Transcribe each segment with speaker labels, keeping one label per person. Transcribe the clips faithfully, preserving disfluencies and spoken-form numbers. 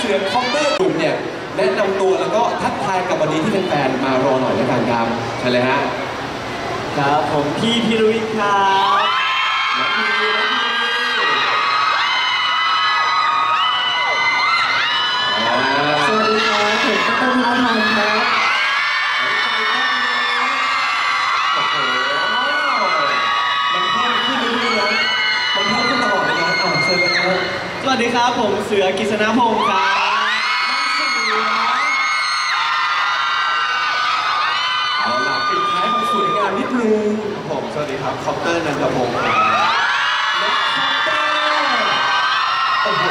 Speaker 1: เสือคอปเตอร์กลุ่มเนี่ยแนะนำตัวแล้วก็ทักทายกับวันนี้ที่เป็นแฟนมารอหน่อยแล้วกันครับใช่เลยฮะ
Speaker 2: ครับผมพี่พิรุวิทย์ครับ
Speaker 1: น้องพีน้องพี
Speaker 3: สวัสดีครับผมต้นน้ำมันครับ
Speaker 1: โอ้โหมันเพิ่มขึ้นเรื่อยๆนะมันเพิ่มขึ้นตลอดเลยนะอ่าเชิญเลยครับ
Speaker 2: สวัสดีครับผมเสือกฤษณพงศ์ครับ
Speaker 1: เอาล่ะปิดท้ายของสวยงามนิดนึง
Speaker 4: ผมสวัสดีครับคอปเตอร์นันทพงศ์ครับ
Speaker 1: และคอปเตอร์โอ้โห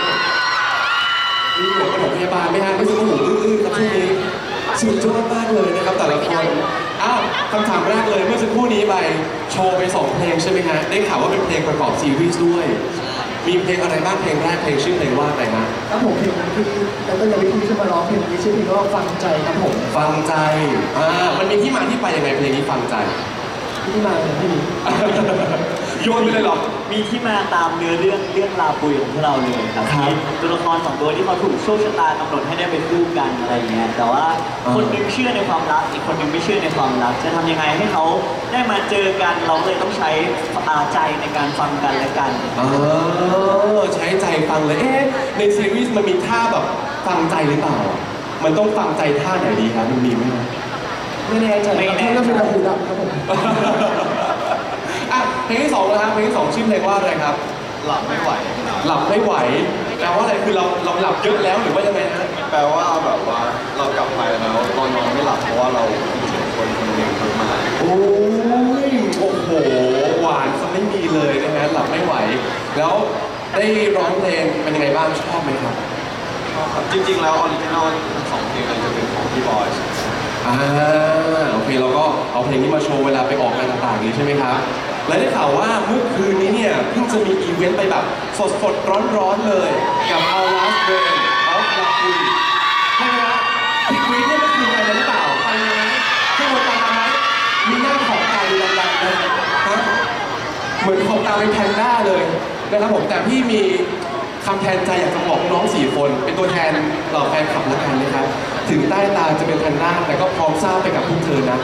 Speaker 1: มีหัวกระโหลกพยาบาลไหมฮะไม่ใช่กระโหลกอื้อๆครับช่วงนี้สุดยอดมากเลยนะครับแต่ละคนอ้าวคำถามแรกเลยเมื่อสักครู่นี้ไปโชว์ไปสองเพลงใช่ไหมฮะได้ข่าวว่าเป็นเพลงประกอบซีรีส์ด้วยมีเพลงอะไรบ้างเพลงแรกเพลงชื่อเพลงว่าอะไรฮะ
Speaker 3: ครับผมเพลงนั้นคือแล้วก็ยังไม่พูดขึ้นมาร้องเพลงนี้ชื่อเพลงว่าฟังใจครับผม
Speaker 1: ฟังใจอ่ามันมีที่มาที่ไปยังไงเพลงนี้ฟังใจ
Speaker 3: ที่มาเลยพี่
Speaker 1: โยนไปเลยหรอ
Speaker 2: มีที่มาตามเนื้อเรื่องเรื่องราวปุยของพวกเราเลยครับมีตัวละครสองตัวที่เขาถูกโชคชะตากำหนดให้ได้เป็นคู่กันอะไรเงี้ยแต่ว่าคนนึงเชื่อในความรักอีกคนนึงไม่เชื่อในความรักจะทำยังไงให้เขาได้มาเจอกันเราเลยต้องใช้ใจในการฟังกันและกัน
Speaker 1: เออใช้ใจฟังเลยเอ๊ะในซีรีส์มันมีท่าแบบฟังใจหรือเปล่ามันต้องฟังใจท่าไหนดีครับมันมีไหม
Speaker 3: ไม่แน่ใจไม่แน่ใจเป็นหูดับครับผม
Speaker 1: อ่ะเพลงที่สองนะครับเพลงที่สองชื่อเพลงว่าอะไรครับ
Speaker 4: หลับไม่ไหว
Speaker 1: หลับไม่ไหวแปลว่าอะไรคือเราเราหลับเยอะแล้วหรือว่ายังไงฮะ
Speaker 4: แปลว่าแบบว่าเรากลับไปแล้วตอนนอนไม่หลับเพราะว่าเราคิดถึงคนคนหนึ่งมาก
Speaker 1: โอ้ยโอ้โหหวานซะไม่มีเลยนะฮะหลับไม่ไหวแล้วได้ร้องเพลงเป็นยังไงบ้างชอบไหมครับ
Speaker 4: ชอบครับจริงๆแล้วออริจินอลทั้งสองเพลงเลยจะเป็นของพี่บอย
Speaker 1: อ่าโอเคเราก็เอาเพลงนี้มาโชว์เวลาไปออกงานต่างๆนี้ใช่ไหมครับและได้ข่าวว่าเมื่อคืนนี้เนี่ยเพิ่งจะมีอีเวนต์ไปแบบสดๆร้อนๆเลยกับ Our Last Rain of Love ใช่ไหมครับพี่กรี๊ดเนี่ยเมื่อคืนไปหรือเปล่าไปไหมทุกคนไปไหมมีหน้าขอบตาดูดังๆเลยฮะเหมือนขอบตาเป็นแพนด้าเลยนะครับผมแต่พี่มีคำแทนใจอยากจะบอกน้องสี่คนเป็นตัวแทนเหล่าแฟนคลับละกันนะครับถึงใต้ตาจะเป็นแพนด้าแต่ก็พร้อมสร้างไปกับพวกเธอนะ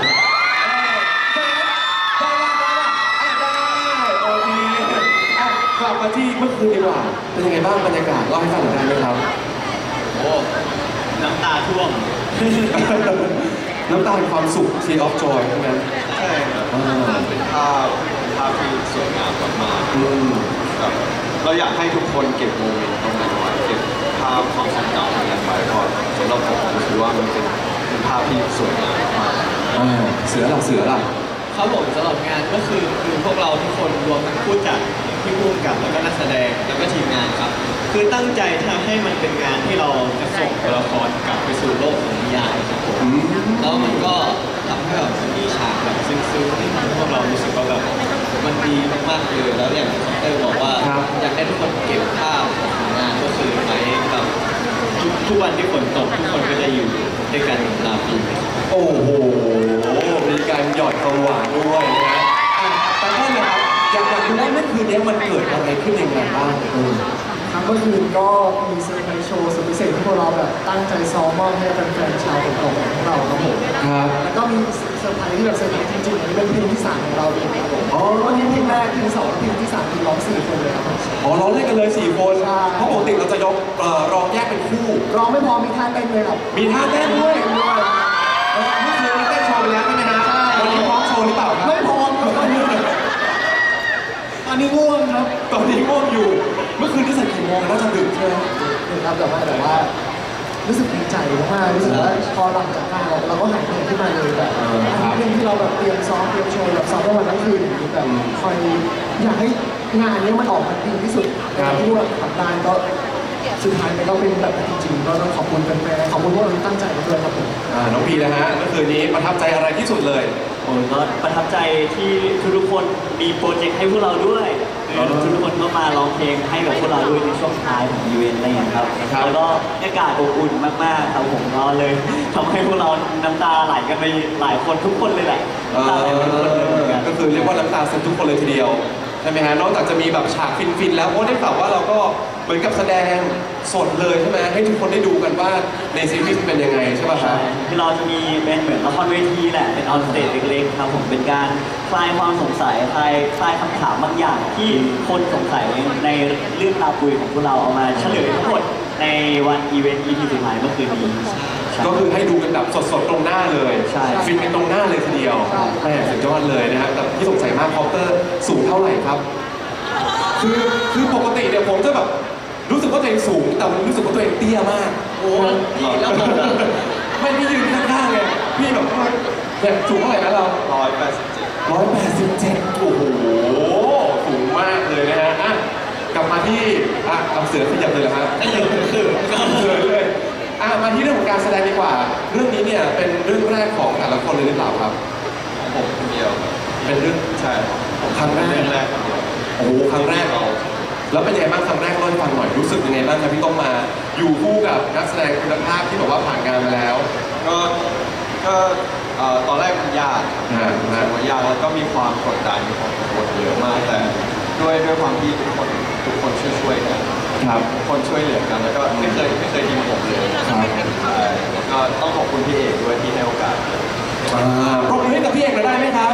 Speaker 1: กลับมาที่เมื่อคืนดีกว่าเป็นยังไงบ้างบรรยากาศเล่าให้ฟังหน่อยได้ไหมครับ
Speaker 2: โอ้น้ำตาท่วม
Speaker 1: น้ำตาเป็นความสุข Tear of Joy ใช่ไหม
Speaker 4: ใช่ครับเป็นภาพภาพที่สวยงามมากๆแบบเราอยากให้ทุกคนเก็บโมเมนต์ตรงนั้นไว้เก็บภาพความทรงจำตรงนั้นไว้เพราะสำหรับผมผมคิดว่ามันเป็นเป็นภาพที่สวยงามมาก
Speaker 1: เสือล่ะเสือล่ะ
Speaker 2: ครับผมสำหรับงานก็คือคือพวกเราทุกคนรวมทั้งผู้จัดที่ร่วมกับแล้วก็นักแสดงแล้วก็ทีมงานครับคือตั้งใจทำให้มันเป็นงานที่เราจะส่งตัวละครกลับไปสู่โลกของนิยายครับผมแล้วมันก็ทำให้แบบมีฉากแบบซึ้งๆที่ทำให้พวกเรารู้สึกว่าแบบมันดีมากๆเลยแล้วอย่างคอปเตอร์บอกว่าอยากให้ทุกคนเก็บภาพของงานก็คือไว้กับทุกวันที่ฝนตกทุกคนก็จะอยู่ด้วยกันลาปี
Speaker 1: โอ้โหมีการหยอดความหวานด้วยนะอ่ะแต่ก็นะครับอยากอยากรู้ว่าเมื่อคืนนี้มันเกิดอะไรขึ้นในงานบ้าง
Speaker 3: ครับเมื่อคืนก็มีเซอร์ไพรส์โชว์สุดพิเศษที่พวกเราแบบตั้งใจซ้อมมอบให้แฟนๆชาวตกของเราครับผม
Speaker 1: ครับ
Speaker 3: แล้วก็มีเซอร์ไพรส์ที่แบบเซอร์ไพรส์จริงๆนี่เป็นเพลงที่สามของเราเองครับผมอ๋อวันนี้เพลงแรกเพลงสองเพลงที่สามคือร้องสี่คนเลยครับ
Speaker 1: อ๋อร้องเล่นกันเลยสี่คนเพราะปกติเราจะยกร้องแยกเป็นคู่
Speaker 3: ร้องไม่พอมีท่าเต้นเลยครับ
Speaker 1: มีท่าเต้นด้วยเมื่อคืนเต้นโชว์ไปแล้วใช่ไหมฮะวันนี้พร้อมโชว์หรือเปล่าครับ
Speaker 3: ไม่พร้อมครับตอนนี้ตอนนี้ง่วงครับ
Speaker 1: ตอนนี้ง่วงอยู่เมื่อคืนที่สักกี่โมงน่าจะดึกใช่ไหม
Speaker 3: ดึกครับแต่ว่าแต่ว่ารู้สึกดีใจมากรู้สึกว่าพอหลังจากงานเราก็หายเหนื่อยขึ้นมาเลยแบบเรื่องที่เราแบบเตรียมซ้อมเตรียมโชว์แบบซ้อมวันทั้งคืนแบบคอยอยากให้งานนี้มันออกมาดีที่สุดที่พวกเราทำได้ก็สุดท้ายมันก็เป็นแบบจริงๆก็ต้องขอบคุณแฟนๆขอบคุณพวกเราที่ตั้งใจมาด้วยครับผม
Speaker 1: น้องพีนะฮะเมื่อคืนนี้ประทับใจอะไรที่สุดเลย
Speaker 2: ผมก็ประทับใจที่ทุกๆคนมีโปรเจกต์ให้พวกเราด้วยทุกคนก็มาร้องเพลงให้กับพวกเราด้วยในช่วงท้ายของอีเวนต์อะไรอย่างเงี้ยครับแล้วก็อากาศอบอุ่นมากๆครับผมก็เลยทำให้พวกเราน้ำตาไหลกันไปหลายคนทุกคนเลยแหละน้ำตาไหลทุกคนเลย
Speaker 1: ก็คือเรียกว่าน้ำตาซึมทุกคนเลยทีเดียวใช่ไหมฮะนอกจากจะมีแบบฉากฟินๆแล้วโอ้ได้ข่าวว่าเราก็เหมือนกับแสดงสดเลยใช่ไหมให้ทุกคนได้ดูกันว่าในซีรีส์เป็นยังไงใช่ป่ะค
Speaker 5: ใช่
Speaker 1: รับ
Speaker 5: คือเราจะมีเป็นเหมือนละครเวทีแหละ เป็นออนสเตจเล็กๆครับผมเป็นการคลายความสงสัยคลายคลายคำถามบางอย่างที่คนสงสัยในเรื่องราวปุยของพวกเราเอามาเฉลยทั้งหมดในวันอีเวนต์ อี พี สุดท้ายเมื่อคืนนี้ใช่
Speaker 1: ก็คือให้ดูกันแบบสดๆตรงหน้าเลย
Speaker 5: ใช่
Speaker 1: ฟินกันตรงหน้าเลยทีเดียวแม่สุดยอดเลยนะฮะแต่ที่สงสัยมากคอปเตอร์สูงเท่าไหร่ครับ คือคือปกติเนี่ยผมจะแบบรู้สึกว่าตัวเองสูงแต่รู้สึกว่าตัวเองเตี้ยมาก
Speaker 2: โอ้พี่แล้วผมอะ
Speaker 1: ไม่พี่ยืนข้างๆไงพี่แบบว่าเนี่ยสูงเท่าไหร่นะเรา
Speaker 4: ร้อยแปดสิบเจ็ด
Speaker 1: ร้อยแปดสิบเจ็ดโอ้โหสูงมากเลยนะฮะอ่ะกลับมาที่อ่ะเอาเสือขยับเลยเหรอฮะ
Speaker 2: คือคือก็
Speaker 1: เสือเลยอ่ะมาที่เรื่องของการแสดงดีกว่า เรื่องนี้เนี่ยเป็นเรื่องแรกของแต่ละคนเลยหรือเปล่าครับ
Speaker 4: ผมคนเดียวครับ
Speaker 1: เป็นเรื่อง
Speaker 4: ใช่ครับผม
Speaker 1: ครั้งแรก
Speaker 4: เป็นเรื่องแรกคนเดียว
Speaker 1: โอ้โหครั้งแรกเราแล้วเป็นยังไงบ้างครั้งแรกเล่าให้ฟังหน่อยรู้สึกยังไงบ้างครับพี่ต้องมาอยู่คู่กับนักแสดงคุณภาพที่แบบว่าผ่านงานมาแล้ว
Speaker 4: ก็ก็เอ่อตอนแรกมันยากครับ
Speaker 1: ฮะ
Speaker 4: รู้สึกว่ายากแล้วก็มีความกดดันมีความกังวลเยอะมากแต่ด้วยด้วยความที่ทุกคนทุกคนช่วยช่วยๆกัน
Speaker 1: ครับ
Speaker 4: ทุกคนช่วยเหลือกันแล้วก็ไม่เคยไม่เคยทิ้งผมเลย
Speaker 1: ครับ
Speaker 4: ใช่แล้วก็ต้องขอบคุณพี่เอกด้วยที่ให้โอกาส
Speaker 1: อ่าปรบมือให้กับพี่เอกหน่อยได้ไหมครับ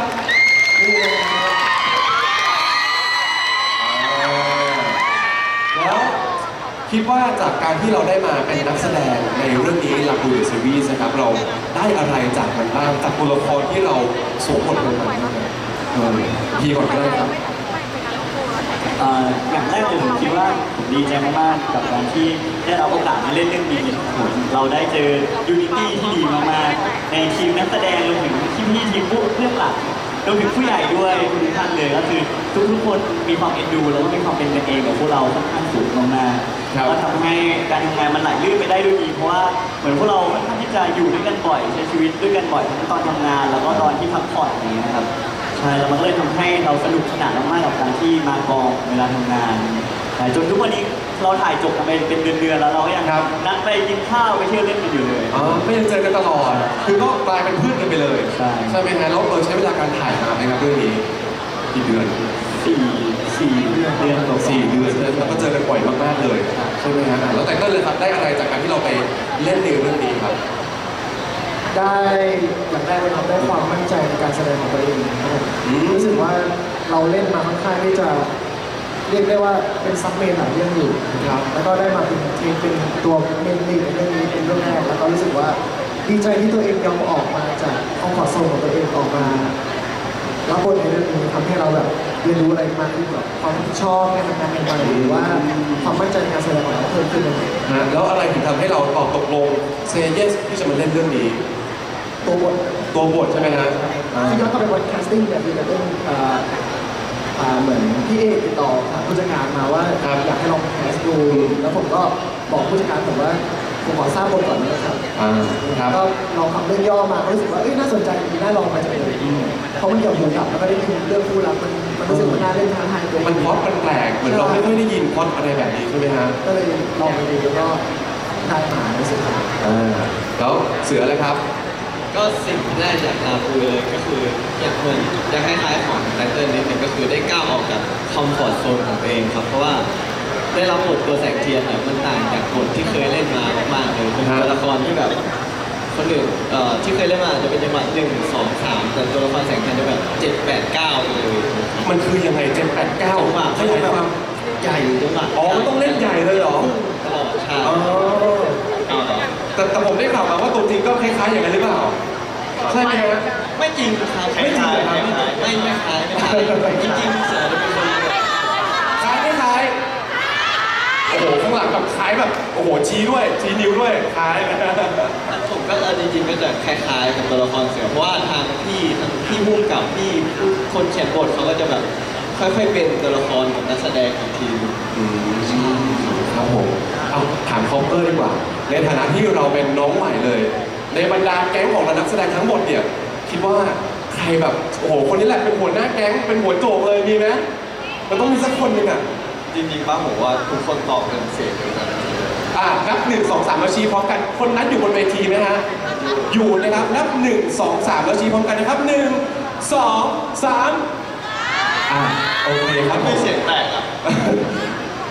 Speaker 1: อ่าแล้วคิดว่าจากการที่เราได้มาเป็นนักแสดงในเรื่องนี้ลักบูดซีรีส์นะครับ เราได้อะไรจากมันบ้างจากตัวละครที่เราสวมบทลงมาบ้างครับเออพี่ก่อนก็ได้ครับ
Speaker 5: เอ่ออย่างแรกเลยผมคิดว่าผมดีใจมากๆกับการที่ได้รับโอกาสมาเล่นเรื่องนี้ผมเราได้เจอยูนิตี้ที่ดีมากๆในทีมนักแสดงรวมถึงที่พี่ทีมผู้เรื่องหลักรวมถึงผู้ใหญ่ด้วยทุกท่านเลยก็คือทุกๆคนมีความเอ็นดูแล้วก็มีความเป็นกันเองกับพวกเราค่อนข้างสูงมาก
Speaker 1: ครับ
Speaker 5: ๆก็ทำให้การทำงานมันไหลลื่นไปได้ด้วยดีเพราะว่าเหมือนพวกเราค่อนข้างที่จะอยู่ด้วยกันบ่อยใช้ชีวิตด้วยกันบ่อยทั้งตอนทำงาน แล้วก็ตอนที่พักผ่อนอย่างเงี้ยครับ ใช่แล้วมันก็เลยทำให้เราสนุกสนานมากๆกับการที่มากองเวลาทำงานใช่จนทุกวันนี้เราถ่ายจบกันไปเป็นเดือนๆแล้วเราก็ยัง
Speaker 1: ครับ
Speaker 5: นัดไปกินข้าวไปเที่ยวเล่นกันอยู่เลย
Speaker 1: อ๋อไม่ยังเจอกันตลอด คือก็กลายเป็นเพื่อนกันไปเลย
Speaker 5: ใช่
Speaker 1: ใช่ไหมฮะแล้วเราใช้เวลาการถ่ายนานไหมครับเรื่องนี้กี่เดือน
Speaker 5: สี่สี่เดือนเดือนกว่าๆ
Speaker 1: สี่เดือนแล้วก็เจอกันบ่อยมากๆเลยใช่ไหมฮะอ่ะแล้วแต่ก็เลยครับได้อะไรจากการที่เราไปเล่นในเรื่องนี้ครับ
Speaker 3: ได้อย่างแรกเลยครับได้ความมั่นใจในการแสดงของตัวเองครับผม
Speaker 1: อืม
Speaker 3: รู้สึกว่าเราเล่นมาค่อนข้างที่จะเรียกได้ว่าเป็นซับเมนหลายเรื่องอยู่
Speaker 1: ครับ
Speaker 3: แล้วก็ได้มาเป็นทีมเป็นตัวเมนลีดในเรื่องนี้เป็นเรื่องแรกแล้วก็รู้สึกว่าดีใจที่ตัวเองยอมออกมาจากคอมฟอร์ทโซนของตัวเองออกมารับบทในเรื่องนี้ทำให้เราแบบเรียนรู้อะไรมากขึ้นแบบความรับผิดชอบการทำงานใหม่ๆหรือว่าความมั่นใจในการแสดงของเราเพิ่มขึ้นเลย
Speaker 1: ฮะแล้วอะไรถึงทำให้เราตอบตกลงเซเยสที่จะมาเล่นเรื่องนี้
Speaker 3: ตัวบท
Speaker 1: ตัวบทใช่ไหมฮะอ่า
Speaker 3: ที่ย้อนกลับไปวันแคสติ้งเนี่ยคือจะเป็นเอ่ออ่าเหมือนพี่เอกติดต่อทางผู้จัดการมาว่าอยากให้ลองแคสดู แล้วผมก็บอกผู้จัดการผมว่าผมขอทราบบทก่อนนะครับ
Speaker 1: อ่าครับ
Speaker 3: ก็ลองทำเรื่องย่อมาก็รู้สึกว่าเอ้ยน่าสนใจดีน่าลองมาจากเลยเพราะมันเกี่ยวกับกับแล้วก็ได้ยินเรื่องคู่รักมันมันรู้สึกว่าน่าเล่นท้าทายตัวเอง
Speaker 1: มันพล็อดมันแปลกเหมือนเราไม่ค่อยได้ยินพล็อดอะไรแบบนี้ใช่ไหมฮะ
Speaker 3: ก็เลยลองไปดูแล้วก็ได้มาในสุดท้าย
Speaker 1: อ่าแล้วเสือเลยครับ
Speaker 2: ก็สิ่งแรกจากลาปูเลยก็คืออยากเหมือนจะคล้ายๆของไตเติ้ลนิดนึงก็คือได้ก้าวออกจากคอมฟอร์ทโซนของตัวเองครับเพราะว่าได้รับบทตัวแสงเทียนเนี่ยมันต่างจากบทที่เคยเล่นมามากๆเลยเป็นตัวละครที่แบบคนอื่นเอ่อที่เคยเล่นมาจะเป็นจังหวะหนึ่งสองสามแต่ตัวละครแสงเทียนจะแบบเจ็ดแปดเก้าไปเลย
Speaker 1: มันคือยังไงเจ็ดแปดเก้า
Speaker 2: จังหวะ
Speaker 1: ขยายความ
Speaker 2: ใหญ่จังหวะ
Speaker 1: อ๋อมันต้องเล่นใหญ่เลยเหรอ
Speaker 2: ตลอดใช่
Speaker 1: อ๋อ
Speaker 2: เอาเหรอ
Speaker 1: แต่แต่ผมได้ข่าวมาว่าตัวจริงก็คล้ายๆอย่างนั้นหรือเปล่า ใช่ไหมฮะ
Speaker 2: ไม่จริงครับ
Speaker 1: ไม่จริงเหรอครับ
Speaker 2: ไม่ไม่คล้ายไม่คล้ายจริงๆเสือจะเป็นคนแบบ
Speaker 1: คล้ายไม่คล้าย โอ้โห ข้างหลังแบบคล้ายแบบ โอ้โห ชี้ด้วย ชี้นิ้วด้วย คล้ายนะ
Speaker 2: ผมก็เออจริงๆก็จะคล้ายๆกับตัวละครเสือเพราะว่าทางพี่ทางพี่พุ่มกับพี่คนเขียนบทเขาก็จะแบบค่อยๆเป็นตัวละครกับนักแสดงของทีม
Speaker 1: อืมครับผม เอาถามคอปเตอร์ดีกว่า ในฐานะที่เราเป็นน้องใหม่เลย ในบรรดาแก๊งของนักแสดงทั้งหมดเนี่ย คิดว่าใครแบบ โอ้โห คนนี้แหละเป็นหัวหน้าแก๊ง เป็นหัวโจกเลย มีไหมมันต้องมีสักคนหนึ่งอ่ะ
Speaker 4: จริงๆป้าผมว่าทุกคนตอบเป็นเสียงเดียวกัน
Speaker 1: อ่ะนับหนึ่งสองสามแล้วชี้พร้อมกัน คนนั้นอยู่บนเวทีไหมฮะ อยู่นะครับ นับหนึ่งสองสามแล้วชี้พร้อมกันนะครับหนึ่งสองสามอ่ะโอเคครับผ
Speaker 4: ไม่
Speaker 1: ม
Speaker 4: เสียงแตกอ่ะ
Speaker 1: แ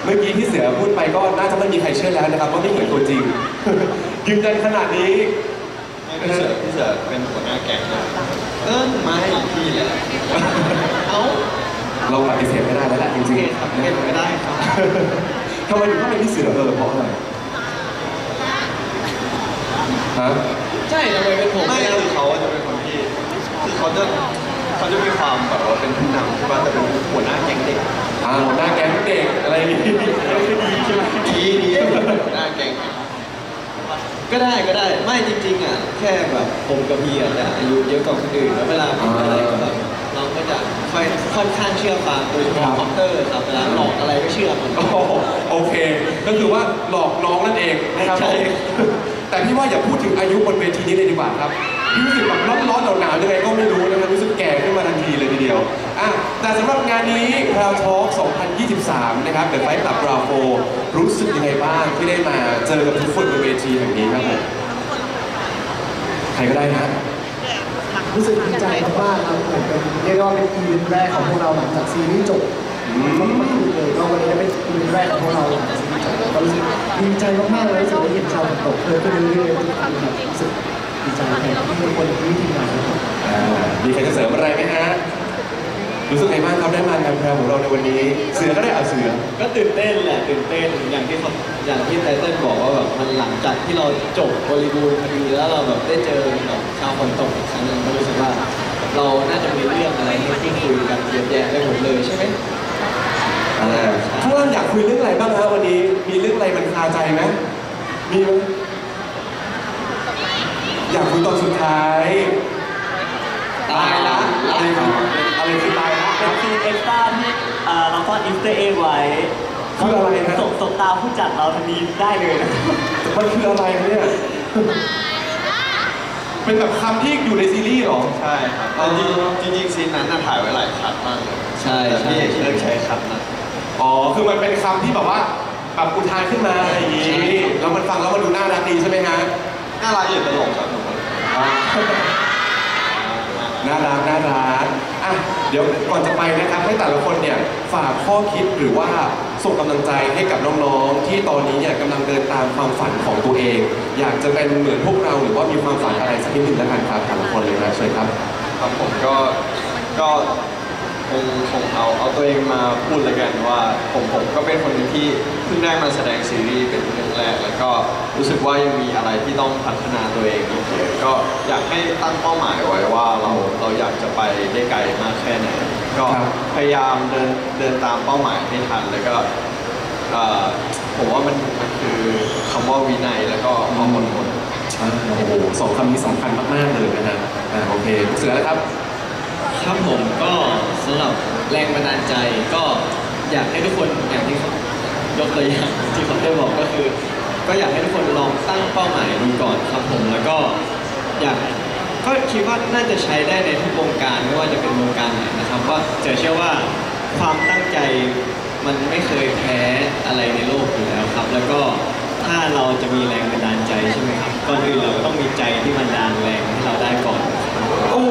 Speaker 1: เมื่อกี้ที่เสือพูดไปก็น่าจะไม่มีใครเชื่อแล้วนะครับว่าไม่เหมือนตัวจริง ยืนยันขนาดนี้
Speaker 4: พี่เสือพี่เสือเป็นหัวหน้าแก๊งเลยเออไม่พี่แหละ
Speaker 2: เอ้า
Speaker 1: เราปฏิเสธไม่ได้แล้วแหละจ
Speaker 2: โอ
Speaker 1: ริ
Speaker 2: เค
Speaker 1: ง
Speaker 2: ครับเป็นไม่ได้ครับ
Speaker 1: ๆ ทำไมถึงต้องเป็นพี่เสือเออเพราะอะไรฮะ
Speaker 2: ใช่ทำไมเป็นผม
Speaker 4: ไม่
Speaker 2: ไม่
Speaker 4: คือเขาจะเป็นคนที่คือเขาจะเขาจะมีความแบบว่าเป็นผู้นำใช่ป่ะแต่เป็นหัวหน้าแก๊งเด็ก
Speaker 1: อ่าหัวหน้าแก๊งเด็กอะไรอย่างนี้ดีใช่ไหม
Speaker 4: ดีดีหัวหน้าแก๊ง
Speaker 2: ก็ได้ก็ได้ไม่จริงๆอ่ะแค่แบบผมกับพี่อ่ะจะอายุเยอะกว่าคนอื่นแล้วเวลาพูดอะไรก็แบบเราก็จะค่อยค่อนข้างเชื่อฟังโดยเฉพาะคอมเตอร์ครับเวลาหลอกอะไรก็เชื่อมัน
Speaker 1: โอ้โหโอเค ก็คือว่าหลอกน้องนั่นเองนะครับ
Speaker 2: ใช่
Speaker 1: แต่พี่ว่าอย่าพูดถึงอายุบนเวทีนี้เลยดีกว่าครับพี่รู้สึกแบบร้อนๆหนาวๆยังไงก็ไม่รู้นะครับรู้สึกแก่ขึ้นมาทันทีเลยทีเดียวอ่ะแต่สำหรับงานนี้ Proud Talk สองพันยี่สิบสาม นะครับเดอะไฟท์คลับ Bravo รู้สึกยังไงบ้างที่ได้มาเจอกับทุกคนบนเวทีแห่งนี้ครับผมใครก็ได้นะ
Speaker 3: รู้สึกดีใจมากๆครับเหมือนเป็นเรียกได้ว่าเป็นอีเวนต์แรกของพวกเราหลังจากซีรีส์จบ
Speaker 1: อืม
Speaker 3: เมื่อคืนเลยก็วันนี้ได้เป็นอีเวนต์แรกของพวกเราหลังจากซีรีส์จบก็รู้สึกดีใจมากๆเลยรู้สึกได้เห็นชาวตกเพิ่มขึ้นเรื่อยๆทุกครั้งครับรู้สึกดีใจแทนทุกคนที่ทีมงานครับ
Speaker 1: อ่ามีใครจะเสริมอะไรไหมฮะ รู้สึกไงบ้างครับได้มางานแพรของเราในวันนี้ เสือก็ได้เอาเสือ
Speaker 2: ก็ตื่นเต้นแหละตื่นเต้นอย่างที่เขาอย่างที่ไตเติ้ลบอกว่าแบบมันหลังจากที่เราจบบริบูรณ์พอดีแล้วเราแบบได้เจอแบบชาวคนตกอีกครั้งหนึงก็รู้สึกว่า เราน่าจะมีเรื่องอะไรให้พูดคุยกันเยอะแยะได้หมดเลยใช่ไหม
Speaker 1: อ่าข้างล่างอยากคุยเรื่องอะไรบ้างฮะวันนี้ มีเรื่องอะไรมันคาใจไหมมีไหมอยากคุยตอนสุดท้าย ตายละอะไรคืออะไรคือตายละ
Speaker 5: เป็นซีนเอ็กซ์ตร้าที่เอ่อเราซ่อนอินสเตอร์เอ็กไว้
Speaker 1: คืออะไรนะ
Speaker 5: สบสบตาผู้จัดเราทันทีได้เลยนะ
Speaker 1: มันคืออะไรเนี่ย เป็นแบบคำที่อยู่ในซีรีส์เหรอ
Speaker 4: ใช่ครับแต่จริงจริงๆซีนนั้นน่ะถ่ายไว้หลายคัดมากเลย
Speaker 2: ใช่
Speaker 4: แต่พี่เอก
Speaker 2: ใช่
Speaker 4: เลือกใช้คัดนั้น
Speaker 1: อ๋อ คือมันเป็นคำที่แบบว่าแบบอุทานขึ้นมาอะไรอย่างนี้ แล้วมันฟังแล้วมันดูน่ารักดีใช่ไหมฮะ
Speaker 4: น่ารักอยู่ตลกครับผม
Speaker 1: อ่าน่ารักน่ารักอ่ะเดี๋ยวก่อนจะไปนะครับให้แต่ละคนเนี่ยฝากข้อคิดหรือว่าส่งกำลังใจให้กับน้องๆ ที่ตอนนี้เนี่ยกำลังเดินตามความฝันของตัวเอง อยากจะเป็นเหมือนพวกเราหรือว่ามีความฝันอะไรสักนิดหนึ่งแล้วกันครับแต่ละคนเลยนะเชิญครับ
Speaker 4: ครับผมก็ก็คงคงเอาเอาตัวเองมาพูดเลยกันว่าผมผมก็เป็นคนหนึงที่เพิ่งได้มาแสดงซีรีส์เป็นเรื่องแรก แล้วก็รู้สึกว่ายังมีอะไรที่ต้องพัฒนาตัวเองอีกเยอะก็อยากให้ตั้งเป้าหมายไว้ว่าเราเราอยากจะไปได้ไกลมากแค่ไหนก็
Speaker 1: ครับ
Speaker 4: พยายามเดินเดินตามเป้าหมายให้ทันแล้วก็เอ่อผมว่ามันมันคือคำว่าวินัยแล้วก็ความอดทน
Speaker 1: อ่าโอ้โหสองคำนี้สำคัญมากๆเลยนะฮะอ่าโอเคเสือแล้วครับ
Speaker 2: ครับผมก็สำหรับแรงบันดาลใจก็อยากให้ทุกคนอย่างที่เขายกตัวอย่างที่เขาได้บอกก็คือ ก็อยากให้ทุกคนลองตั้งเป้าหมายดูก่อนครับผมแล้วก็อยากก็คิดว่าน่าจะใช้ได้ในทุกวงการไม่ว่าจะเป็นวงการไหนนะครับว่าจะเชื่อว่าความตั้งใจมันไม่เคยแพ้อะไรในโลกอยู่แล้วครับ แล้วก็ถ้าเราจะมีแรงบันดาลใจใช่ไหมครับก่อนอื่นเราก็ต้องมีใจที่บันดาลแรงให้เราได้ก่อน
Speaker 1: โอ้โห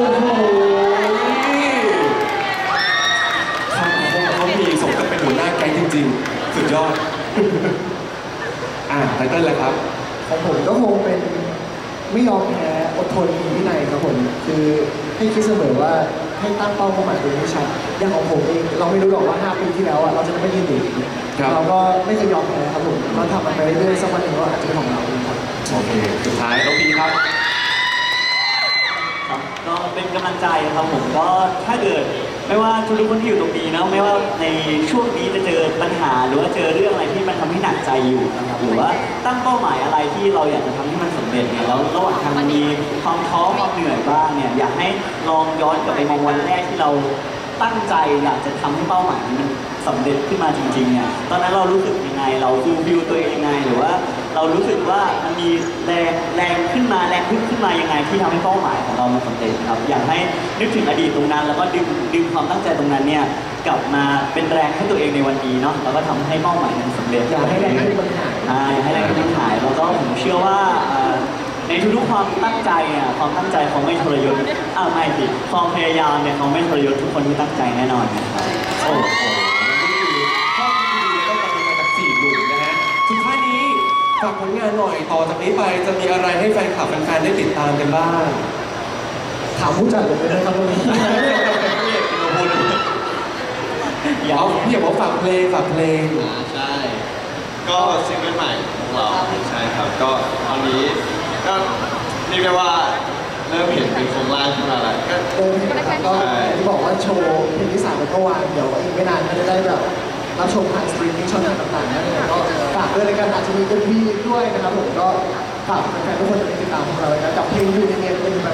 Speaker 1: คำคมเขามีสมกับเป็นหัวหน้าแก๊งจริงๆ สุดยอด อ่าไตเติ้ลแล้วครับ
Speaker 3: ของผมก็คงเป็นไม่ยอมแพ้อดทนมีวินัยครับผมคือให้คิดเสมอว่าให้ตั้งเป้าหมายตัวเองให้ชัดอย่างของผมเองเราไม่รู้หรอกว่าห้าปีที่แล้วอะเราจะไม่ยืนอยู่
Speaker 1: ครับ
Speaker 3: เราก็ไม่เคยยอมแพ้ครับผมเราทำมันไปเรื่อยๆสักวันหนึ่งเราอาจจะเป็นของเราเองครับ
Speaker 1: โอเค สุดท้ายน้องพีครับ
Speaker 5: ครับก็เป็นกำลังใจครับผมก็ถ้าเกิดไม่ว่าทุกๆคนที่อยู่ตรงนี้นะไม่ว่าในช่วงนี้จะเจอปัญหาหรือว่าเจอเรื่องอะไรที่มันทำให้หนักใจอยู่นะครับหรือว่าตั้งเป้าหมายอะไรที่เราอยากจะทำให้มันสำเร็จเนี่ยแล้วระหว่างทางมันมีความท้อความเหนื่อยบ้างเนี่ยอยากให้ลองย้อนกลับไปมองวันแรกที่เราตั้งใจอยากจะทำให้เป้าหมายนี้มันสำเร็จขึ้นมาจริงๆเนี่ยตอนนั้นเรารู้สึกยังไงเราฟูลฟิลตัวเองยังไงหรือว่าเรารู้สึกว่ามันมีแรงแรงขึ้นมาแรงขึ้นขึ้นมายังไงที่ทำให้เป้าหมายของเรามันสำเร็จครับอยากให้นึกถึงอดีตตรงนั้น แล้วก็ดึงดึงความตั้งใจตรงนั้นเนี่ยกลับมาเป็นแรงให้ตัวเองในวันนี้เนาะแล้วก็ทำให้เป้าหมายนั้นสำเร็จ
Speaker 3: อย่าให้แรงขึ้นมันหาย
Speaker 5: อ่าอย่าให้แรงขึ้นมันหายแล้วก็ผมเชื่อว่าอ่าในทุกๆความตั้งใจอ่ะความตั้งใจเขาไม่ทรยศอ้าวไม่ผิดความพยายามเนี่ยเขาไม่ทรยศทุกคนที่ตั้งใจแน่นอนนะครับ
Speaker 1: โอ้โหนี่คือข้อคิดดีๆแล้วก็กำลังใจจากฝากผลงานหน่อยต่อจากนี้ไปจะมีอะไรให้แฟนคลับแฟนๆได้ติดตามกันบ้าง
Speaker 3: ถามผู้จัดเลยนะครับวันนี้
Speaker 1: เอาพี่อยากบอกฝากเพลงฝากเพลง
Speaker 2: อ่าใช่
Speaker 4: ก็ซิงเกิลใหม่ของเราใช่ครับ ก็ตอนนี้ก็เรียกได้ว่าเริ่มเห็นเป็นโครงร่างขึ้นมาแล้วก็
Speaker 3: เดินเห็นนะครับก็ที่บอกว่าโชว์เพลงที่สามแล้วก็วางเดี๋ยวอีกไม่นานก็จะได้แบบรับชมผ่านสตรีมมิ่งช่องทางต่างๆนั่นเองก็ฝากด้วยในการอาจจะมีเอ็มวีด้วยนะครับผมก็ฝากแฟนๆทุกคนติดตามพวกเราเลยนะกับเพลงยูนิเนียนเป็นเพ